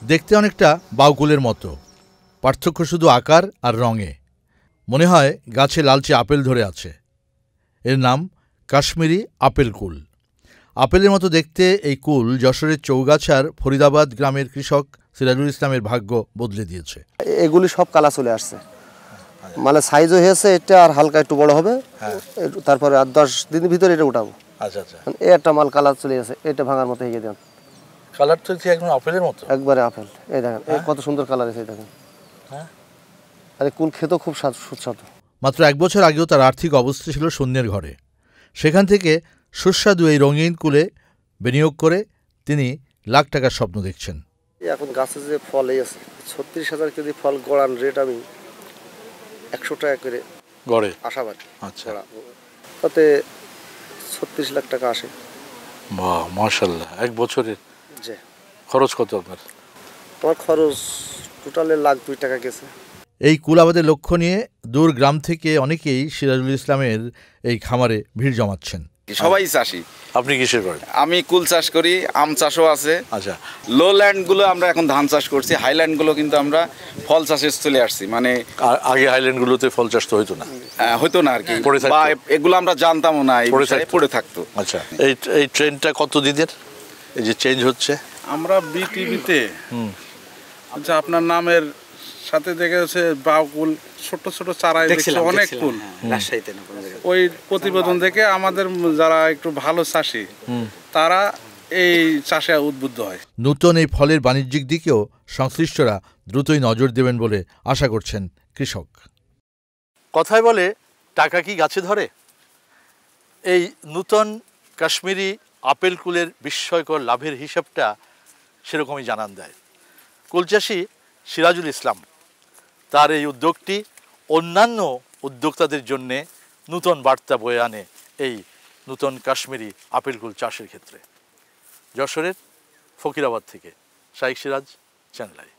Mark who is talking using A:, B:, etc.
A: দেখতে অনেকটা বাউকুলের মতো, পার্থক্য শুধু আকার আর রঙে। মনে হয় গাছে লালচে আপেল ধরে আছে। এর নাম কাশ্মীরি আপেল কুল। আপেলের মতো দেখতে এই কুল যশোরের চৌগাছার ফরিদাবাদ গ্রামের কৃষক সিরাজুল ইসলামের ভাগ্য বদলে দিয়েছে।
B: এগুলি সব কালা চলে আসছে, মানে সাইজও হয়েছে, এটা আর হালকা একটু বড় হবে, তারপরে আর 10 দিনের ভিতরে এটা উঠাবো।
A: আচ্ছা আচ্ছা,
B: এই একটা মাল কালার চলে গেছে, এটা ভাঙার মতো হয়ে দেন।
A: কালার তো একদম আপেলের মতো,
B: একবারে আপেল। এই দেখেন কত সুন্দর কালার এসে দেখেন। আরে কুল খেতেও খুব সুস্বাদু।
A: মাত্র 1 বছর আগেও তার আর্থিক অবস্থা ছিল শূন্যের ঘরে। সেখান থেকে সুস্বাদু এই রঙিন কুলে বিনিয়োগ করে তিনি লাখ টাকার স্বপ্ন দেখছেন।
B: এখন গাছে যে ফল এই আছে 36,000 কেজি ফল, গড়ান রেট আমি 100 টাকা করে
A: গড়ে
B: আশাবাদী।
A: আচ্ছা,
B: তাতে 36 লাখ টাকা আসে।
A: বাহ, মাশাআল্লাহ। 1 বছরের
B: জি।
A: খরচ কত আপনার?
B: আমার খরচ টোটালে $1,02,000 টাকা গেছে।
A: এই কুল আবাদের লক্ষ্য নিয়ে দূর গ্রাম থেকে অনেকেই সিরাজুল ইসলামের এই খামারে ভিড় জমাচ্ছেন।
C: সবাই চাষি।
A: আপনি কিসের করেন?
C: আমি কুল চাষ করি, আম চাষও আছে।
A: আচ্ছা,
C: লো ল্যান্ডগুলো আমরা এখন ধান চাষ করছি, হাইল্যান্ডগুলো কিন্তু আমরা ফল চাষে চলে আসছি। মানে
A: আগে হাইল্যান্ডগুলোতে ফল চাষ তো হইতো না,
C: হইতো না আর কি, বা এগুলো আমরা জানতামও না, পড়ে থাকতো।
A: আচ্ছা, এই ট্রেনটা কত দিনের এই যে চেঞ্জ হচ্ছে?
D: আমরা বিটিভিতে আচ্ছা আপনার নামের সাথে দেখে হচ্ছে বাউকুল ছোট ছোট চারায় দেখছি অনেক কুল রাজশাহীতে, ওই প্রতিবেদন দেখে আমাদের যারা একটু ভালো চাষি তারা এই চাষে উদ্বুদ্ধ হয়।
A: নতুন এই ফলের বাণিজ্যিক দিকেও সংশ্লিষ্টরা দ্রুতই নজর দেবেন বলে আশা করছেন কৃষক। কথায় বলে টাকা কি গাছে ধরে? এই নূতন কাশ্মীরি আপেল কুলের বিস্ময়কর লাভের হিসাবটা সেরকমই জানান দেয় কুলচাষী সিরাজুল ইসলাম। তার এই উদ্যোগটি অন্যান্য উদ্যোক্তাদের জন্যে নূতন বার্তা বয়ে আনে এই নূতন কাশ্মীরি আপেল কুল চাষের ক্ষেত্রে। যশোরের ফকিরাবাদ থেকে শাইখ সিরাজ, চ্যানেল আই।